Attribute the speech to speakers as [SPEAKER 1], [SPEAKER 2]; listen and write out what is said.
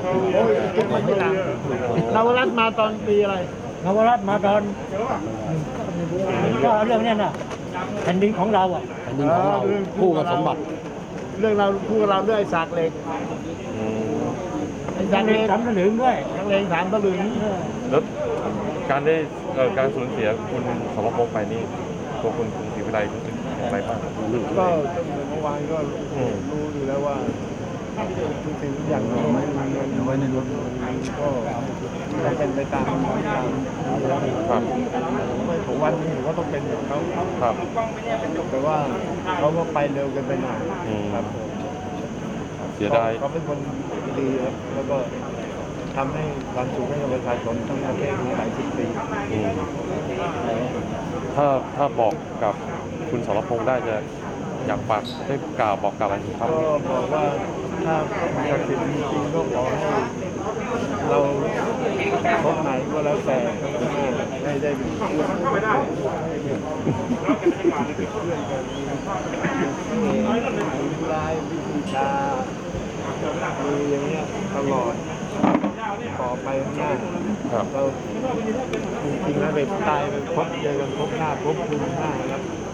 [SPEAKER 1] โอ้ยเก็บมาทีหลังนวรัตน์มาตอนปีอะไร
[SPEAKER 2] นวรัตน์มาตอนก็เรื่องนี้น่ะแผ่นดินของเราอ่ะ
[SPEAKER 3] แผ่นดินของเราคู่กับสมบัติ
[SPEAKER 1] เรื่องเราคู่กับเราด้วยสากเหล็กไอ้สากเหล็ก
[SPEAKER 2] สามสลึงด้วย
[SPEAKER 1] สากเหล็กสามตะลึง
[SPEAKER 4] แล้วการได้การสูญเสียคุณสมภพไปนี่ตัวคุณศรีวิไลรู้สึกอย่างไรบ้างครับ
[SPEAKER 1] ก็เมื่อวานก็รู้อยู่แล้วว่าทุกสิ่งทุกอย่างเราไม่มีเงินไว้ในรถก็เป็นไปตาม
[SPEAKER 4] ครับ
[SPEAKER 1] ไม่ของวันนี้ผมก็ต้องเป็นอย่างเขา
[SPEAKER 4] ครับ
[SPEAKER 1] แต่ว่าเขาก็ไปเร็วเกินไปหน่อย ครับ
[SPEAKER 4] เสียดาย
[SPEAKER 1] เขาเป็นคนดีครับแล้วก็ทำให้ความสุขให้กับประชาชนทั้งประเทศมาหลายสิบปี
[SPEAKER 4] ถ้าบอกกับคุณสรพงษ์ได้จะอยากฝากได้กล่าวบอกกล่าวอะไรถึงเขา
[SPEAKER 1] ก็บอกว่าถ้าศักดิ์สิทธิ์จริงๆก็ขอให้เราพบไหนก็แล้วแต่ให้ได้เป็นเพื่อนมีลายวิธีชามีอย่างเงี้ยตลอดต่อไปข้างหน้า
[SPEAKER 4] ครับ
[SPEAKER 1] เราจริงๆแล้วไปตายไปพบเจอกันพบหน้าพบคุณหน้าครับ